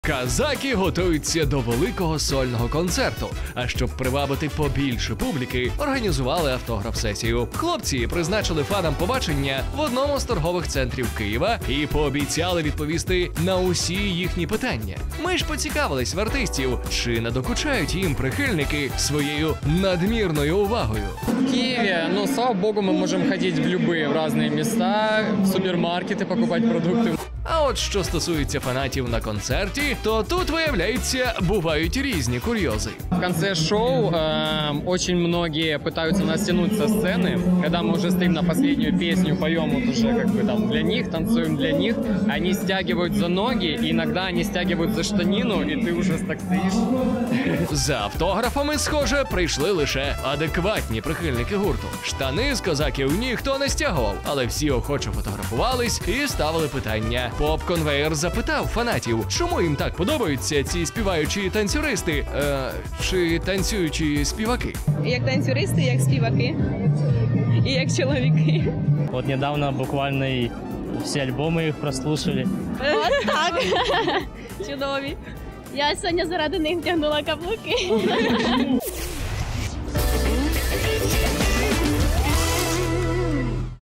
Казаки готуються до великого сольного концерту. А щоб привабити побільше публіки, організували автограф-сесію. Хлопці призначили фанам побачення в одному з торгових центрів Києва і пообіцяли відповісти на усі їхні питання. Ми ж поцікавились в артистів, чи надокучають їм прихильники своєю надмірною увагою. В Киеве, слава богу, мы можем ходить в разные места, в супермаркеты покупать продукты. А от що стосується фанатів на концерті, то тут, виявляється, бувають різні курйози. В конце шоу очень многие пытаются нас тянуть со сцены, когда мы уже стоим на последнюю песню, поем вот уже как бы там для них, танцуем для них, они стягивают за ноги, и иногда они стягивают за штанину, и ты уже так стоишь. За автографами, схоже, прийшли лише адекватні прихильники гурту. Штани з козаків ніхто не стягував, але всі охоче фотографувались і ставили питання. Поп-конвеєр запитав фанатів, чому їм так подобаються ці співаючі танцюристи, чи танцюючі співаки. Як танцюристи, як співаки і як чоловіки. Вот недавно буквально и все альбомы их прослушали. От так. Чудові. Я сьогодні заради них вдягнула каблуки.